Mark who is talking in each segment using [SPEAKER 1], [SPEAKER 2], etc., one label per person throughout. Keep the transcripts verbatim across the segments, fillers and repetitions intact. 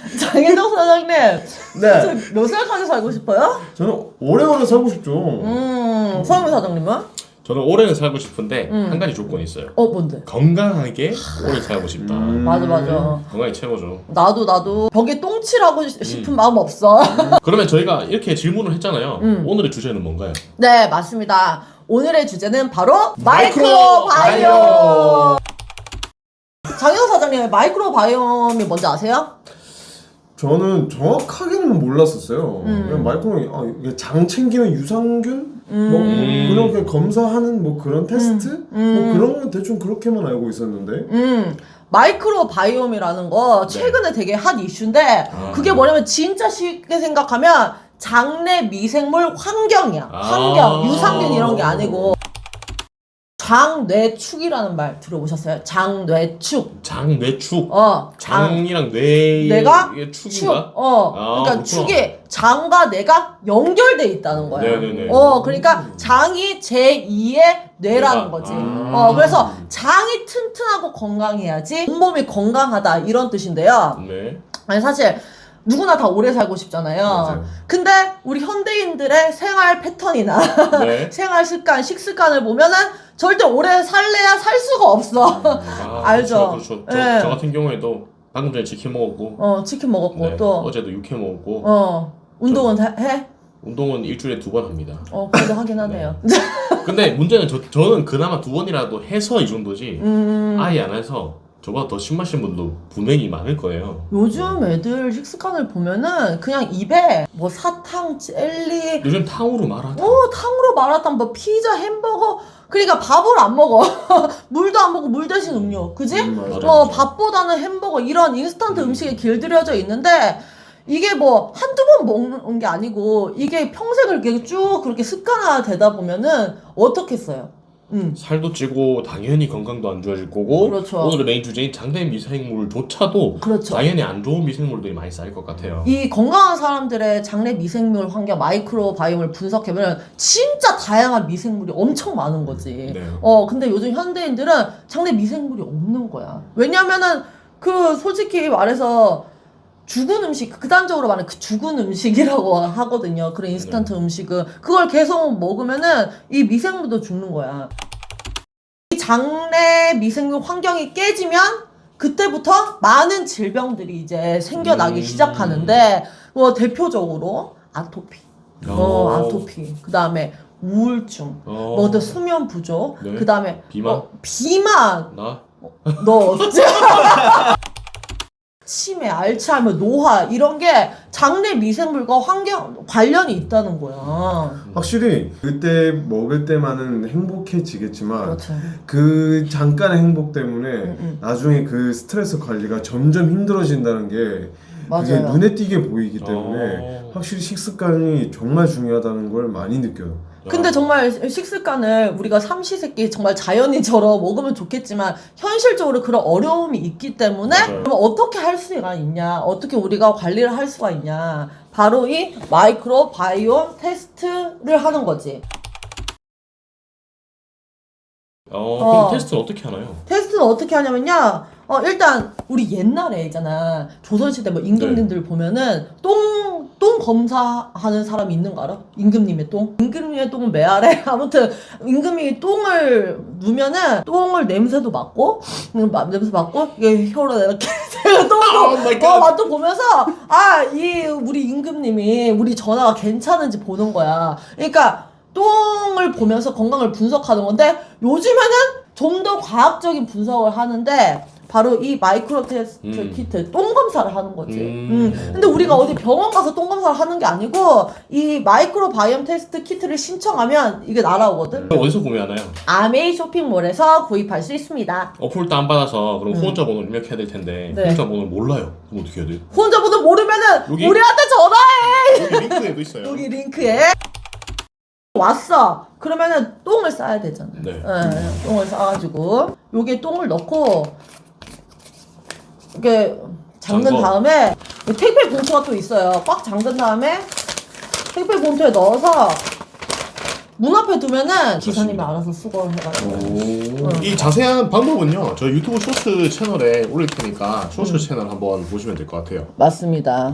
[SPEAKER 1] 장혜정 사장님,
[SPEAKER 2] 네.
[SPEAKER 1] 몇 살까지 살고 싶어요?
[SPEAKER 2] 저는 오래오래 살고 싶죠.
[SPEAKER 1] 음, 서영민 사장님은?
[SPEAKER 3] 저는 오래는 살고 싶은데
[SPEAKER 1] 음.
[SPEAKER 3] 한 가지 조건이 있어요.
[SPEAKER 1] 어, 뭔데?
[SPEAKER 3] 건강하게 오래 살고 싶다.
[SPEAKER 2] 음.
[SPEAKER 1] 맞아, 맞아.
[SPEAKER 3] 건강이 최고죠.
[SPEAKER 1] 나도, 나도 벽에 똥칠하고 싶은 마음 없어.
[SPEAKER 3] 그러면 저희가 이렇게 질문을 했잖아요.
[SPEAKER 1] 음.
[SPEAKER 3] 오늘의 주제는 뭔가요?
[SPEAKER 1] 네, 맞습니다. 오늘의 주제는 바로
[SPEAKER 3] 마이크로
[SPEAKER 1] 마이크로바이옴! 장혜정 사장님, 마이크로바이옴이 뭔지 아세요?
[SPEAKER 2] 저는 정확하게는 몰랐었어요.
[SPEAKER 1] 음.
[SPEAKER 2] 그냥 마이크로 아, 이게 장 챙기는 유산균
[SPEAKER 1] 음.
[SPEAKER 2] 뭐 그런 게 검사하는 뭐 그런 테스트
[SPEAKER 1] 음.
[SPEAKER 2] 뭐 그런 건 대충 그렇게만 알고 있었는데.
[SPEAKER 1] 음, 마이크로바이옴이라는 거 최근에 되게 핫 이슈인데
[SPEAKER 3] 아.
[SPEAKER 1] 그게 뭐냐면 진짜 쉽게 생각하면 장내 미생물 환경이야. 환경,
[SPEAKER 3] 아.
[SPEAKER 1] 유산균 이런 게 아니고 장뇌축이라는 말 들어보셨어요? 장뇌축.
[SPEAKER 3] 장뇌축.
[SPEAKER 1] 어, 장.
[SPEAKER 3] 장이랑 뇌의
[SPEAKER 1] 뇌가
[SPEAKER 3] 이게
[SPEAKER 1] 축.
[SPEAKER 3] 축인가?
[SPEAKER 1] 어,
[SPEAKER 3] 아,
[SPEAKER 1] 그러니까
[SPEAKER 3] 그렇구나.
[SPEAKER 1] 축이 장과 뇌가 연결돼 있다는 거야.
[SPEAKER 3] 네네네.
[SPEAKER 1] 어, 그러니까 장이 제이의 뇌라는
[SPEAKER 3] 뇌가.
[SPEAKER 1] 거지.
[SPEAKER 3] 아.
[SPEAKER 1] 어, 그래서 장이 튼튼하고 건강해야지 온몸이 건강하다 이런 뜻인데요.
[SPEAKER 3] 네.
[SPEAKER 1] 아니 사실 누구나 다 오래 살고 싶잖아요.
[SPEAKER 2] 맞아요.
[SPEAKER 1] 근데 우리 현대인들의 생활 패턴이나
[SPEAKER 3] 네.
[SPEAKER 1] 생활 습관, 식습관을 보면은 절대 오래 살래야 살 수가 없어.
[SPEAKER 3] 아,
[SPEAKER 1] 알죠?
[SPEAKER 3] 그렇죠. 그렇죠. 저,
[SPEAKER 1] 네.
[SPEAKER 3] 저 같은 경우에도 방금 전에 치킨 먹었고,
[SPEAKER 1] 어, 치킨 먹었고
[SPEAKER 3] 네.
[SPEAKER 1] 또
[SPEAKER 3] 어제도 육회 먹었고,
[SPEAKER 1] 어, 운동은 다 해?
[SPEAKER 3] 운동은 일주일에 두 번 합니다.
[SPEAKER 1] 어, 그래도 하긴 하네요.
[SPEAKER 3] 근데 문제는 저, 저는 그나마 두 번이라도 해서 이 정도지,
[SPEAKER 1] 음,
[SPEAKER 3] 아예 안 해서 저보다 더 심하신 분도 분명히 많을 거예요.
[SPEAKER 1] 요즘 애들 식습관을 보면은 그냥 입에 뭐 사탕, 젤리,
[SPEAKER 3] 요즘 탕후루 마라탕.
[SPEAKER 1] 어, 탕후루, 마라탕, 뭐 피자, 햄버거. 그러니까 밥을 안 먹어. 물도 안 먹고 물 대신 음료. 그지?
[SPEAKER 2] 음, 맞아요.
[SPEAKER 1] 어, 밥보다는 햄버거 이런 인스턴트 음식에 길들여져 있는데 이게 뭐 한두 번 먹는 게 아니고 이게 평생을 이렇게 쭉 그렇게 습관화 되다 보면은 어떻겠어요? 음.
[SPEAKER 3] 살도 찌고 당연히 건강도 안 좋아질 거고,
[SPEAKER 1] 그렇죠.
[SPEAKER 3] 오늘의 메인 주제인 장내 미생물조차도
[SPEAKER 1] 그렇죠.
[SPEAKER 3] 당연히 안 좋은 미생물들이 많이 쌓일 것 같아요.
[SPEAKER 1] 이 건강한 사람들의 장내 미생물 환경 마이크로바이옴을 분석해보면 진짜 다양한 미생물이 엄청 많은 거지.
[SPEAKER 3] 네.
[SPEAKER 1] 어, 근데 요즘 현대인들은 장내 미생물이 없는 거야. 왜냐면은 그 솔직히 말해서 죽은 음식, 극단적으로 말하면 그 죽은 음식이라고 하거든요. 그런 인스턴트
[SPEAKER 3] 네.
[SPEAKER 1] 음식은. 그걸 계속 먹으면은 이 미생물도 죽는 거야. 이 장내 미생물 환경이 깨지면 그때부터 많은 질병들이 이제 생겨나기
[SPEAKER 3] 음.
[SPEAKER 1] 시작하는데, 뭐 대표적으로 아토피. 어,
[SPEAKER 3] 어.
[SPEAKER 1] 아토피. 그 다음에 우울증.
[SPEAKER 3] 어.
[SPEAKER 1] 뭐 수면 부족.
[SPEAKER 3] 네.
[SPEAKER 1] 그 다음에
[SPEAKER 3] 비만?
[SPEAKER 1] 어, 비만.
[SPEAKER 3] 나?
[SPEAKER 1] 너 어째? 치매, 알츠하이머, 노화 이런 게 장내 미생물과 환경 관련이 있다는 거야.
[SPEAKER 2] 확실히 그때 먹을 때만은 행복해지겠지만
[SPEAKER 1] 그렇죠.
[SPEAKER 2] 그 잠깐의 행복 때문에
[SPEAKER 1] 음.
[SPEAKER 2] 나중에 그 스트레스 관리가 점점 힘들어진다는 게 그게
[SPEAKER 1] 맞아요.
[SPEAKER 2] 눈에 띄게 보이기 때문에
[SPEAKER 3] 어.
[SPEAKER 2] 확실히 식습관이 정말 중요하다는 걸 많이 느껴요.
[SPEAKER 1] 근데 정말 식습관을 우리가 삼시세끼 정말 자연인처럼 먹으면 좋겠지만 현실적으로 그런 어려움이 있기 때문에
[SPEAKER 3] 맞아요.
[SPEAKER 1] 그럼 어떻게 할 수가 있냐, 어떻게 우리가 관리를 할 수가 있냐, 바로 이 마이크로바이옴 테스트를 하는 거지.
[SPEAKER 3] 어, 그럼
[SPEAKER 1] 어.
[SPEAKER 3] 테스트는 어떻게 하나요?
[SPEAKER 1] 테스트는 어떻게 하냐면요. 어, 일단 우리 옛날에 있잖아. 조선시대 뭐 임금님들 보면은 똥, 똥 검사하는 사람이 있는 거 알아? 임금님의 똥? 임금님의 똥은 메아래? 아무튼 임금이 똥을 누면은 똥을 냄새도 맡고 음, 마- 냄새 맡고 이게 혀로 이렇게 똥도
[SPEAKER 3] Oh my God.
[SPEAKER 1] 어, 맛도 보면서 아, 이 우리 임금님이 우리 전화가 괜찮은지 보는 거야. 그러니까 똥을 보면서 건강을 분석하는 건데 요즘에는 좀 더 과학적인 분석을 하는데 바로 이 마이크로 테스트
[SPEAKER 3] 음.
[SPEAKER 1] 키트 똥 검사를 하는 거지.
[SPEAKER 3] 음.
[SPEAKER 1] 음. 근데 우리가 어디 병원 가서 똥 검사를 하는 게 아니고 이 마이크로 바이옴 테스트 키트를 신청하면 이게 날아오거든.
[SPEAKER 3] 그럼 어디서 구매하나요?
[SPEAKER 1] 아메이 쇼핑몰에서 구입할 수 있습니다.
[SPEAKER 3] 어플 다운받아서 그럼
[SPEAKER 1] 음.
[SPEAKER 3] 후원자 번호를 입력해야 될 텐데
[SPEAKER 1] 네.
[SPEAKER 3] 후원자 번호를 몰라요. 그럼 어떻게 해야 돼요?
[SPEAKER 1] 후원자분들 모르면은
[SPEAKER 3] 여기?
[SPEAKER 1] 우리한테 전화해.
[SPEAKER 3] 여기 링크에도 있어요.
[SPEAKER 1] 여기 링크에 왔어. 그러면은 똥을 싸야 되잖아.
[SPEAKER 3] 네.
[SPEAKER 1] 네, 똥을 싸가지고 여기에 똥을 넣고 이렇게 잠근
[SPEAKER 3] 잠궈.
[SPEAKER 1] 다음에 택배 봉투가 또 있어요. 꽉 잠근 다음에 택배 봉투에 넣어서 문 앞에 두면은 기사님이 알아서 수거해가지고.
[SPEAKER 3] 오.
[SPEAKER 1] 어.
[SPEAKER 3] 이 자세한 방법은요 저희 유튜브 쇼츠 채널에 올릴 테니까 쇼츠 음. 채널 한번 보시면 될 것 같아요.
[SPEAKER 1] 맞습니다.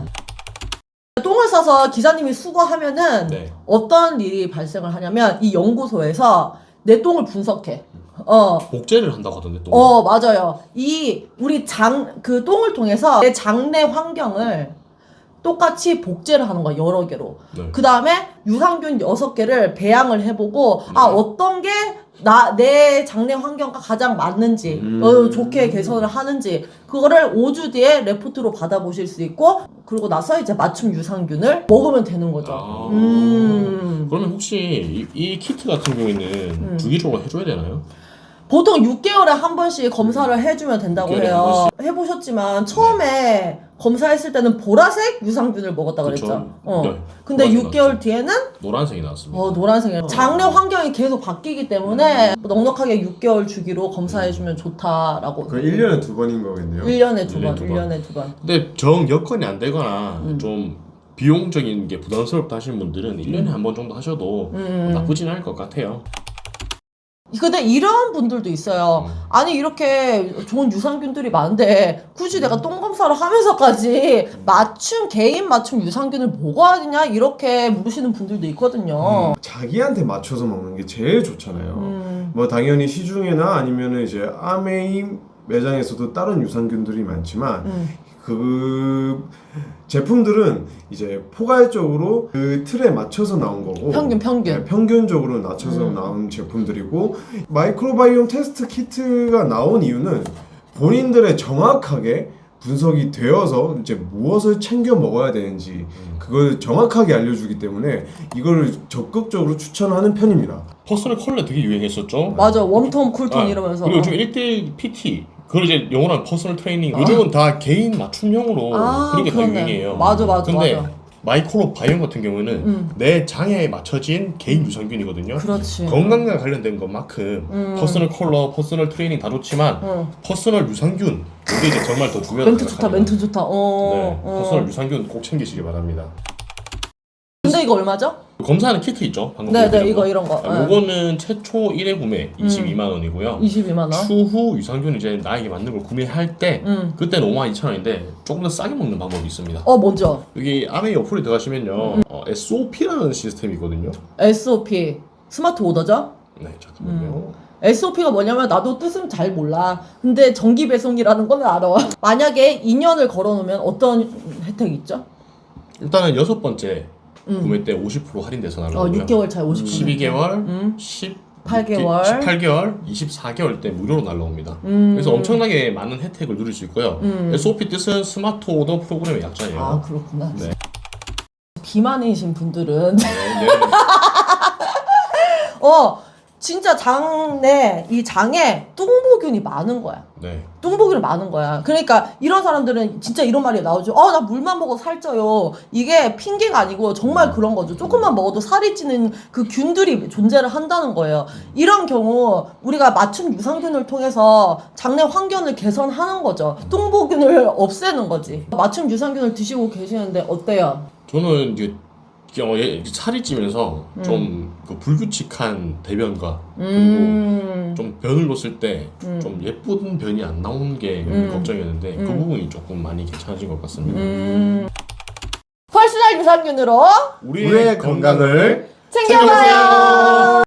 [SPEAKER 1] 똥을 싸서 기사님이 수거하면은
[SPEAKER 3] 네.
[SPEAKER 1] 어떤 일이 발생을 하냐면 이 연구소에서 내 똥을 분석해. 어.
[SPEAKER 3] 복제를 한다고 하던데 또.
[SPEAKER 1] 어, 맞아요. 이 우리 장 그 똥을 통해서 내 장내 환경을 똑같이 복제를 하는 거야, 여러 개로.
[SPEAKER 3] 네.
[SPEAKER 1] 그 다음에 유산균 여섯 개를 배양을 해보고,
[SPEAKER 3] 네.
[SPEAKER 1] 아, 어떤 게 나, 내 장내 환경과 가장 맞는지,
[SPEAKER 2] 음.
[SPEAKER 1] 어, 좋게 개선을 하는지, 그거를 오 주 뒤에 레포트로 받아보실 수 있고, 그리고 나서 이제 맞춤 유산균을 먹으면 되는 거죠.
[SPEAKER 3] 아.
[SPEAKER 1] 음.
[SPEAKER 3] 그러면 혹시 이, 이 키트 같은 경우에는
[SPEAKER 1] 음.
[SPEAKER 3] 주기적으로 해줘야 되나요?
[SPEAKER 1] 보통 육 개월에 한 번씩 검사를 해주면 된다고
[SPEAKER 3] 육 개월에 한
[SPEAKER 1] 해요. 해보셨지만 처음에 검사했을 때는 보라색 유산균을 먹었다
[SPEAKER 3] 그쵸.
[SPEAKER 1] 그랬죠. 어.
[SPEAKER 3] 네.
[SPEAKER 1] 근데
[SPEAKER 3] 보라색
[SPEAKER 1] 육 개월
[SPEAKER 3] 나왔죠.
[SPEAKER 1] 뒤에는
[SPEAKER 3] 노란색이 나왔습니다.
[SPEAKER 1] 어, 노란색이에요. 장내 환경이 계속 바뀌기 때문에 넉넉하게 육 개월 주기로 검사해주면 좋다라고.
[SPEAKER 2] 그 일 년에 두 번인 거겠네요.
[SPEAKER 1] 일 년에 두
[SPEAKER 3] 일 년에
[SPEAKER 1] 번,
[SPEAKER 3] 두
[SPEAKER 1] 일
[SPEAKER 3] 번.
[SPEAKER 1] 년에 두 번.
[SPEAKER 3] 근데 정 여건이 안 되거나
[SPEAKER 1] 음.
[SPEAKER 3] 좀 비용적인 게 부담스럽다 하시는 분들은 일 년에 한 번 정도 하셔도
[SPEAKER 1] 음.
[SPEAKER 3] 나쁘진 않을 것 같아요.
[SPEAKER 1] 근데 이런 분들도 있어요.
[SPEAKER 3] 음.
[SPEAKER 1] 아니 이렇게 좋은 유산균들이 많은데 굳이 내가 똥 검사를 하면서까지 맞춤 개인 맞춤 유산균을 먹어야 되냐 이렇게 물으시는 분들도 있거든요.
[SPEAKER 2] 자기한테 맞춰서 먹는 게 제일 좋잖아요.
[SPEAKER 1] 음.
[SPEAKER 2] 뭐 당연히 시중에나 아니면은 이제 아메이 매장에서도 다른 유산균들이 많지만
[SPEAKER 1] 음.
[SPEAKER 2] 그 제품들은 이제 포괄적으로 그 틀에 맞춰서 나온 거고
[SPEAKER 1] 평균 평균.
[SPEAKER 2] 네, 평균적으로 낮춰서
[SPEAKER 1] 음.
[SPEAKER 2] 나온 제품들이고 마이크로바이옴 테스트 키트가 나온 이유는 본인들의 정확하게 분석이 되어서 이제 무엇을 챙겨 먹어야 되는지 그걸 정확하게 알려주기 때문에 이거를 적극적으로 추천하는 편입니다.
[SPEAKER 3] 퍼스널 컬러 되게 유행했었죠.
[SPEAKER 1] 맞아, 웜톤 쿨톤
[SPEAKER 3] 아,
[SPEAKER 1] 이러면서.
[SPEAKER 3] 그리고 요즘 일 대일 피티 그걸 이제 영어로 하면 퍼스널 트레이닝 요즘은 다 개인 맞춤형으로
[SPEAKER 1] 아,
[SPEAKER 3] 그런 게 다
[SPEAKER 1] 그렇네.
[SPEAKER 3] 유행이에요.
[SPEAKER 1] 맞아, 맞아,
[SPEAKER 3] 근데
[SPEAKER 1] 맞아.
[SPEAKER 3] 마이크로 바이옴 같은 경우는
[SPEAKER 1] 음.
[SPEAKER 3] 내 장애에 맞춰진 개인 유산균이거든요.
[SPEAKER 1] 그렇지.
[SPEAKER 3] 건강과 관련된 것만큼
[SPEAKER 1] 음.
[SPEAKER 3] 퍼스널 컬러, 퍼스널 트레이닝 다 좋지만
[SPEAKER 1] 어.
[SPEAKER 3] 퍼스널 유산균 이게 이제 정말 더 중요하다고
[SPEAKER 1] 멘트 좋다,
[SPEAKER 3] 생각합니다.
[SPEAKER 1] 멘트 좋다. 어.
[SPEAKER 3] 네,
[SPEAKER 1] 어.
[SPEAKER 3] 퍼스널 유산균 꼭 챙기시기 바랍니다.
[SPEAKER 1] 근데 이거 얼마죠?
[SPEAKER 3] 검사하는 키트 있죠? 방금
[SPEAKER 1] 네, 네,
[SPEAKER 3] 보여드린
[SPEAKER 1] 이거
[SPEAKER 3] 거.
[SPEAKER 1] 이런 거.
[SPEAKER 3] 아,
[SPEAKER 1] 네.
[SPEAKER 3] 요거는 최초 일 회 구매 이십이만 원이고요.
[SPEAKER 1] 이십이만 원.
[SPEAKER 3] 추후 유산균 이제 나에게 맞는 걸 구매할 때
[SPEAKER 1] 음.
[SPEAKER 3] 그때는 오만 이천 원인데 조금 더 싸게 먹는 방법이 있습니다.
[SPEAKER 1] 어, 먼저
[SPEAKER 3] 여기 아메이 어플에 들어가시면요
[SPEAKER 1] 음.
[SPEAKER 3] 어, 에스오피라는 시스템이 있거든요.
[SPEAKER 1] 에스오피 스마트 오더죠?
[SPEAKER 3] 네 잠깐만요.
[SPEAKER 1] 에스오피가 뭐냐면 나도 뜻은 잘 몰라. 근데 정기 배송이라는 건 알아. 만약에 이 년을 걸어놓으면 어떤 혜택이 있죠?
[SPEAKER 3] 일단은 여섯 번째
[SPEAKER 1] 음.
[SPEAKER 3] 구매 때 오십 퍼센트 할인돼서
[SPEAKER 1] 어,
[SPEAKER 3] 날라오고요.
[SPEAKER 1] 육 개월 차에 오십 퍼센트.
[SPEAKER 3] 십이 개월,
[SPEAKER 1] 음.
[SPEAKER 3] 십팔
[SPEAKER 1] 개월.
[SPEAKER 3] 십팔 개월, 이십사 개월 때 무료로 날라옵니다.
[SPEAKER 1] 음.
[SPEAKER 3] 그래서 엄청나게 많은 혜택을 누릴 수 있고요.
[SPEAKER 1] 음.
[SPEAKER 3] 에스오피 뜻은 스마트 오더 프로그램의 약자예요.
[SPEAKER 1] 아, 그렇구나.
[SPEAKER 3] 네.
[SPEAKER 1] 비만이신 분들은
[SPEAKER 3] 네, 네.
[SPEAKER 1] 어 진짜 장내 이 장에 뚱보균이 많은 거야.
[SPEAKER 3] 네.
[SPEAKER 1] 뚱보균이 많은 거야. 그러니까 이런 사람들은 진짜 이런 말이 나오죠. 어, 나 물만 먹어 살쪄요. 이게 핑계가 아니고 정말 그런 거죠. 조금만 먹어도 살이 찌는 그 균들이 존재를 한다는 거예요. 이런 경우 우리가 맞춤 유산균을 통해서 장내 환경을 개선하는 거죠. 뚱보균을 없애는 거지. 맞춤 유산균을 드시고 계시는데 어때요?
[SPEAKER 3] 저는 이제 어, 예, 살이 찌면서
[SPEAKER 1] 음.
[SPEAKER 3] 좀 그 불규칙한 대변과
[SPEAKER 1] 음.
[SPEAKER 3] 그리고 좀 변을 놓았을 때
[SPEAKER 1] 음.
[SPEAKER 3] 좀 예쁜 변이 안 나오는 게
[SPEAKER 1] 음.
[SPEAKER 3] 걱정이었는데 그
[SPEAKER 1] 음.
[SPEAKER 3] 부분이 조금 많이 괜찮아진 것 같습니다.
[SPEAKER 1] 음. 퍼스널 유산균으로
[SPEAKER 3] 우리의,
[SPEAKER 2] 우리의 건강을
[SPEAKER 1] 챙겨봐요.